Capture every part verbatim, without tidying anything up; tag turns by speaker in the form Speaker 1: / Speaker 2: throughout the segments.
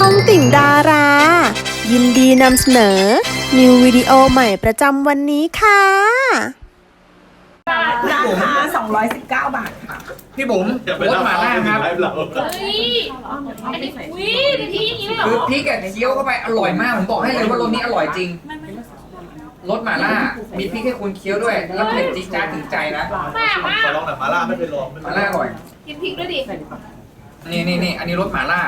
Speaker 1: องติ่งดารา ยินดีนำเสนอ นิววิดีโอใหม่ประจำวันนี้ค่ะ
Speaker 2: ราคาสองร้อยสิบเก้าบาทค่ะ
Speaker 3: พี่บุ๋มรสหม่าล่าครับ
Speaker 4: เฮ้ยอันนี้วิพี่อย่างนี้เลยเหร
Speaker 3: คือ
Speaker 4: อ
Speaker 3: พริกกับเคี้ยวเข้าไปอร่อยมาก ผมบอกให้เลยว่ารสนี้อร่อยจริงรสหม่าล่า มีพริกให้คุณเคี้ยวด้วย แล้วเผ็ดจี๊ดจ๊าดถึงใจนะ
Speaker 4: แม่มาก
Speaker 5: ขอลองหน่อยมาล่าไม่เคยลอง
Speaker 3: หม่าล่าอร่อย
Speaker 4: กินพริกด้วยดิ
Speaker 3: นี่นี่นี่อันนี้รสหม่าล่า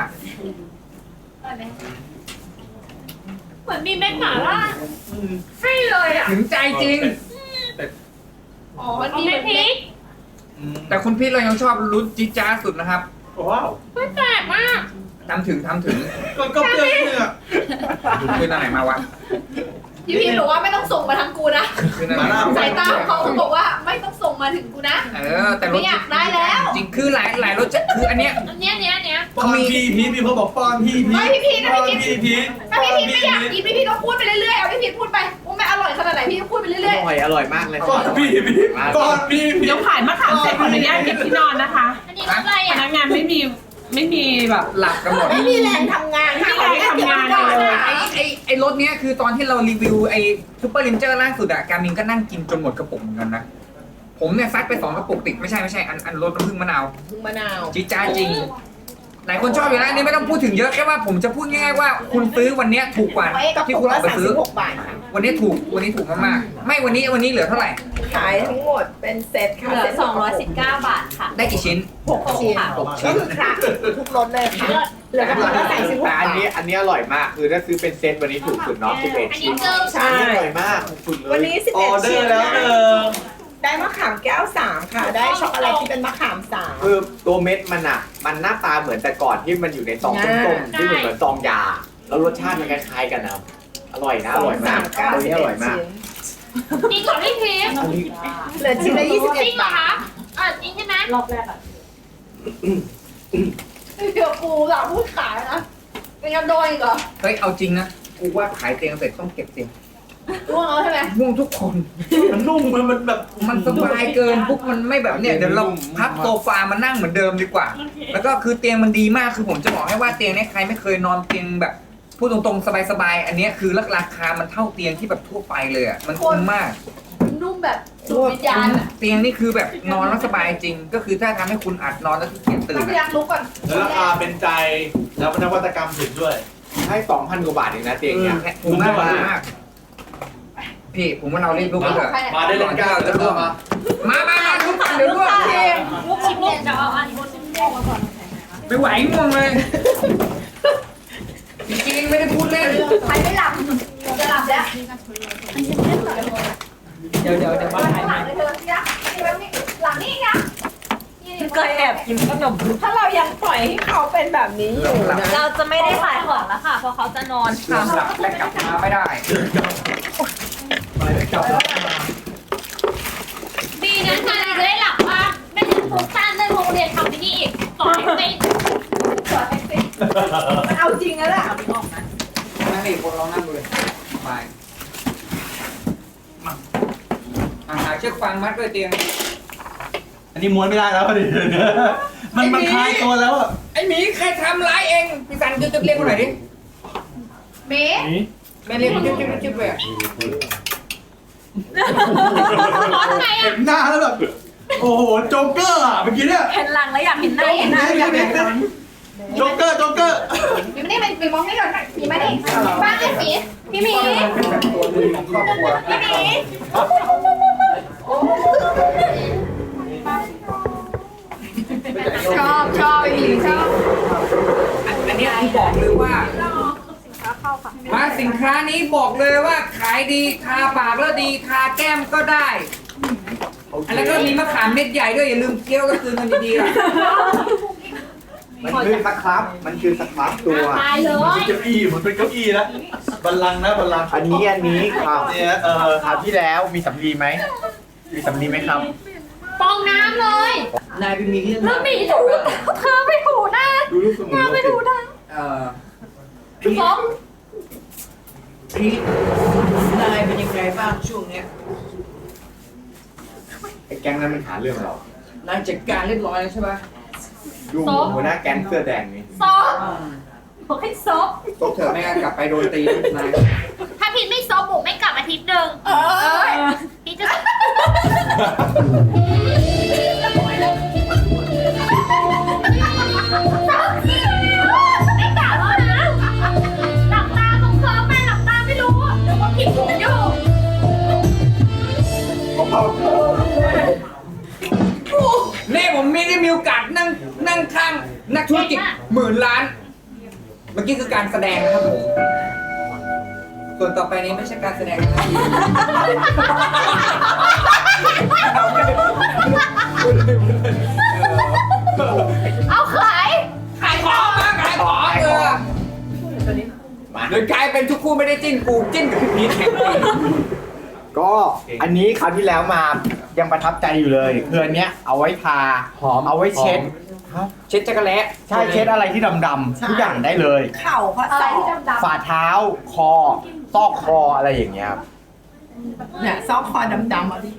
Speaker 4: เหมือนมีเม็ดหม่าล่าให้เลยอ่ะ
Speaker 3: ถึงใจจริง
Speaker 4: อ๋อมันมีเม็ดพริก
Speaker 3: แต่คุณพี่เรายังชอบรสจี๊ดจ๊าดสุดนะครับ
Speaker 5: ว้าว
Speaker 4: ไม่แปลกมาก
Speaker 3: ทำถึงทำถึง
Speaker 5: ก็ก็เปรี้ยวเนี่ย
Speaker 3: คืนอันไหนมาวะ
Speaker 4: พี่พีบอกว่าไม่ต้องส่งมาทางกูนะ
Speaker 3: คืนอันไหนมา
Speaker 4: สายตาของเขาเขาบอกว่าไม่ต้องส่งมาถึงกูนะ
Speaker 3: เออแต่ร
Speaker 4: ไม่
Speaker 3: ส
Speaker 4: อยากได้แล้ว
Speaker 3: จริงคือหลายหลายรสจะคืออันเนี้ย
Speaker 4: อันเนี้ยเนี้ยเนี้ย
Speaker 5: ป้อนพี่พีพี่เขาบอกป้อนพี่พี
Speaker 4: ไม่พี่พีนะ
Speaker 5: ป้อน
Speaker 4: พี่พี
Speaker 5: พี่พี
Speaker 4: ถ้าพี่พีไม่อยากกินพี่พีก็พูดไปเรื่อยๆเอาพี่พีพูดไปว่าไม่อร่อยขนาดไหนพี่ก็พูดไปเรื่อย
Speaker 6: อร่อยอร่อยมากเลย
Speaker 5: ป้อนพี่พีป้อนพี่พี
Speaker 2: เดี๋ยวขายมะขามเสร็จขออนุญาตเก็บที่นอนนะคะ
Speaker 4: ๆอันนี้อะไร
Speaker 2: พ
Speaker 4: อ่ะ
Speaker 2: นักงานไม่มีไม่มีแบบ
Speaker 3: หลับกันหมด
Speaker 2: ไม่มีแรงทำงานไม่มีแรงทำงานเลย
Speaker 3: ไอ้ไอ้ไอ้รถเนี้ยคือตอนที่เรารีวิวไอ้ซูเปอร์ลินเจอร์ล่าสุดอะการมินก็นั่งกินจนหมดกระปุกเหมือนกันนะ ผมเนี่ยซัดไปสองกระปุกติดไม่ใช่ไม่ใช่อันอันรสน้ำผึ้งมะนาว
Speaker 2: มะนาว
Speaker 3: จี๊ดจ้าดจริง หลายคนชอบอยู่แล้วอันนี้ไม่ต้องพูดถึงเยอะแค่ว่าผมจะพูดง่ายๆว่าคุณซื้อวันเนี้ยถูกกว่าที่คุณออกไปซื้อ
Speaker 2: บาทค่ะ
Speaker 3: วันนี้ถูกวันนี้ถูกมากๆไม่วันนี้วันนี้เหลือเท่าไหร่
Speaker 2: ขายทั้งหมดเป็นเซตค่ะ
Speaker 4: เหลือสองร้อยสิบเก้าบาทค่ะ
Speaker 3: ได้กี่ชิ้น
Speaker 2: หกชิ้น
Speaker 3: หก
Speaker 2: ก็
Speaker 3: ชิ้น
Speaker 2: คือคละทุกรสเลยค่ะเหลือกระปุกละสามสิบหก
Speaker 6: แต่อัน
Speaker 2: บา
Speaker 6: นี้
Speaker 2: ท
Speaker 6: อันนี้อร่อยมาก คือถ้าซื้อเป็นเซตวันนี้ถูกสุดเนาะสิบเอ็ด
Speaker 4: อันนี้
Speaker 6: ชิ้น
Speaker 4: เจอ
Speaker 2: ใช่
Speaker 6: อร่อยมากสุดเลย
Speaker 2: วันนี้สิบ
Speaker 5: อ
Speaker 2: เอ็
Speaker 5: อ
Speaker 2: ด
Speaker 5: เดอ
Speaker 2: ชิ้น
Speaker 5: ร์แล้วหนึ่ง
Speaker 2: ได้มะขามแก้วสามค่ะ ได้ช็อกโกแลตที่เป็นมะขามสาม
Speaker 6: คือตัวเม็ดมันอ่ะ มันหน้าตาเหมือนแต่ก่อนที่มันอยู่ในซองส้มๆที่มันเหมือนซองยา แล้วรสชาติมันคล้ายๆกันนะอร่อยนะอร่อยมาก
Speaker 2: เก้า
Speaker 6: ตัว
Speaker 2: สิบ
Speaker 6: นี้อ
Speaker 2: เอ็
Speaker 6: ร่อ
Speaker 2: ด
Speaker 6: ยมาก
Speaker 2: ชิ้น
Speaker 4: จริงเหรอพี่พี
Speaker 6: อันนี้
Speaker 2: เหลือชิ้นละยี่สิบ
Speaker 4: จ
Speaker 2: เอ็ด
Speaker 4: ริงเหรอบ
Speaker 2: า
Speaker 4: คะ
Speaker 2: ท
Speaker 4: อ่ะจริงใช่ไหม
Speaker 7: รอบแรกอะ
Speaker 4: เดี๋ยวกูหลังพูดขายนะเป็นยังโดนอีกเหรอ
Speaker 3: เฮ้ยเอาจริงนะกูว่าขายเตียงเสร็จต้องเก็บเตียง
Speaker 4: ร่วงแล้วใช่ไหม
Speaker 3: ง่วงทุกคน
Speaker 5: มันนุ่มมันมันแบบ
Speaker 3: มันสบายเกินปุ๊บมันไม่แบบเนี่ยเดี๋ยวเราพับโซฟามานั่งเหมือนเดิมดีกว่า แล้วก็คือเตียงมันดีมากคือผมจะบอกให้ว่าเตียงเนี้ยใครไม่เคยนอนเตียงแบบพูดตรงๆสบายๆอันเนี้ยคือราคามันเท่าเตียงที่แบบทั่วไปเลยอ่ะมันคุ้มมาก
Speaker 4: นุ่มแบบสุดวิญญาณอ่ะ
Speaker 3: เตียงนี่คือแบบนอนแล้วสบายจริง ก็คือถ้าทำให้คุณอัดนอนแล้วขี้เกียจตื่
Speaker 4: ต้อน งพยายา
Speaker 3: อะ
Speaker 4: มลุกก่อน
Speaker 5: แล้วราคาเป็นใจแล้วนวัตกรรมถึงด้วย
Speaker 6: ให้สองพันกว่าบาทเองนะเตียงเนี้ย
Speaker 3: คุ้มมากคุ้มมากพี่ผมว่าเรารีบลุกกันเถอะ
Speaker 5: มาได้เลยก้าวจะร่วมมา
Speaker 3: มามามาลุกกันเดี๋ยวลุก
Speaker 4: ลุกชิมเนี่ยจะเอาอันบนชิมเนี่ยมาก่อน
Speaker 3: ไม่ไหวง่วงเลยจริงๆไม่ได้พูดเล่น
Speaker 4: ใครไม่หลับจะหลับแล้ว
Speaker 2: เดี๋ยวเดี๋ยวเดี๋ยวมา
Speaker 4: หลังเลยเธอเนี่ยนี่แบบนี้หลังนี่นะ
Speaker 2: เคยแอบกินขนมถ้าเรายังปล่อยให้เขาเป็นแบบนี้อยู่นะ
Speaker 7: เราจะไม่ได้ขายของแล้วค่ะ เพราะเขาจะนอน
Speaker 3: นอนหลับและกลับมาไม่ได้
Speaker 4: ดีนะชาลีจะได้หลับว่าไม่ถึงฟุ้งซ่านเรื่องโรงเรียนทำที่นี่อีกสอนให้เป็นสอนให้เป็น
Speaker 2: มันเอาจริงแล้วแหละ
Speaker 3: นั่นนี่คนลองนั่งดูเลยไปมาอ่าหาเชือกฟางมัดด้วยเตียง
Speaker 5: อันนี้ม้วนไม่ได้แล้วดิมันมันคลายตัวแล้วอ่ะ
Speaker 3: ไอ้หมีใครทำร้ายเองพี่สันจุ๊บๆเรียกมาหน่อยดิ
Speaker 4: เมย์
Speaker 3: แม่เรียกจุ๊บๆจุ๊บๆไปอ่ะ
Speaker 4: ร้อนไง
Speaker 5: เห็
Speaker 4: อ่ะ
Speaker 5: นหน้าแล้วแบบโอ้โหโจ๊กเกอร์อ่ะเมื่อกี้เนี่ย
Speaker 7: เห็นหลังแล้วอยากเห็นหน้าเห็นหน้าอยากเห็นหน้า
Speaker 5: โจ๊กเกอร์โจ๊กเกอร์
Speaker 4: มีไม่ได้เป็นปีมองนี่ก่อนมีไหมนี่บ้านไอ้หมีพี่หมี
Speaker 3: เป็นแบบตัวมือของครอบครัว
Speaker 4: พี่หมีชอบชอบไอ้หมีชอบ
Speaker 3: อันนี้ผมบอกเลยว่ามาสินค้านี้บอกเลยว่าขายดีทาปากแล้วดีทาแก้มก็ได้แล้วก็มีมะขามเม็ดใหญ่ด้วยอย่าลืมเคี้ยวก็คืนกันดีๆล่ะ
Speaker 6: มันคือสครับ มันคือสครับตัว
Speaker 4: ตายเล
Speaker 5: มัน
Speaker 4: ย
Speaker 5: เป็นเก้าอี้มันเป็นเก้าอี้แล้วบัลลังก์นะบัลลังก์
Speaker 6: อันนี้อันนี้ครับ
Speaker 5: เนี่ยเออ
Speaker 6: คราวที่แล้วมีสำลีไหม มีสำลีไหมครับ
Speaker 4: ฟองน้ำเลย
Speaker 3: นายเป็นมีที่
Speaker 4: แล้วหมีถูเธอไปถูหน้า
Speaker 6: ดูรูปสมุน
Speaker 4: หน้า
Speaker 6: โล
Speaker 4: ไป
Speaker 6: ก
Speaker 4: ถูหน้า
Speaker 3: เอ่อ
Speaker 4: ฟอง
Speaker 3: พี่นายเป็นยังไงบ้างช่วงเนี้ย
Speaker 6: ไอ้แก๊งนั้นมันหาเรื่องเรา
Speaker 3: นายจัดการเรียบร้อยแล้วใช่ปะ
Speaker 6: ดูหัวหน้าแก๊งเสื้อแดงนี่
Speaker 4: ซอส
Speaker 7: บอกให้ซบ
Speaker 3: ตกเถอะไม่งั้นกลับไปโดนตีนาย
Speaker 4: ถ้าพี่ไม่ซบบุกไม่กลับอาทิตย์หนึ่งพี่จะไม่กลับแล้วนะหลับตาตรงเคิร์ฟไปหลับตาไม่รู้เดี๋ยวว่าผิดหูอยู่
Speaker 3: นี่ผมมีได้มีโอกาสนั่งนั่งข้างนักธุรกิจหมื่นล้าน เมื่อกี้คือการแสดงนะครับผม ส่วนต่อไปนี้ไม่ใช่การแสดงนะครับ
Speaker 4: เอาขาย
Speaker 3: ขายของมาขายของเออ
Speaker 6: มา
Speaker 3: โดยกลายเป็นทุกคู่ไม่ได้จิ้นกูจิ้นกับพี่พีทแข่งกัน
Speaker 6: ก็อันนี้คราวที่แล้วมายังประทับใจอยู่เลยคืออันเนี้ยเอาไว้ทา
Speaker 3: หอม
Speaker 6: เอาไว้เช็ด
Speaker 3: เช็ดจักรแล้
Speaker 6: ใช่เช็ดอะไรที่ดำๆทุกอย่างได้เลย
Speaker 2: เข่าข้อศอก
Speaker 6: ฝ่าเท้าคอซอกคออะไรอย่างเงี้ยครับ
Speaker 2: เนี่ยซอกคอดำๆอ่ะ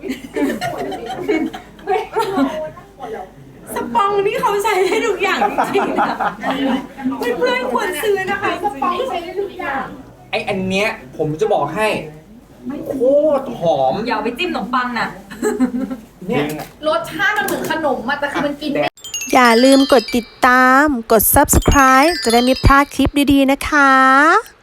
Speaker 2: สปองนี่เขาใช้ได้ทุกอย่างจริงๆนะเพื่อนๆควรซื้อนะคะสปองใช้ได้ทุกอย่าง
Speaker 3: ไออันเนี้ยผมจะบอกให้โคตรหอม
Speaker 7: อย่าเอาไปจิ้มขนมปังนะ
Speaker 3: เนี่ย
Speaker 4: รสชาติมันเหมือนขนมอะแต่คือมันกินไม่
Speaker 1: อย่าลืมกดติดตาม กด ซับสไครบ์ จะได้ไม่พลาดคลิปดีๆนะคะ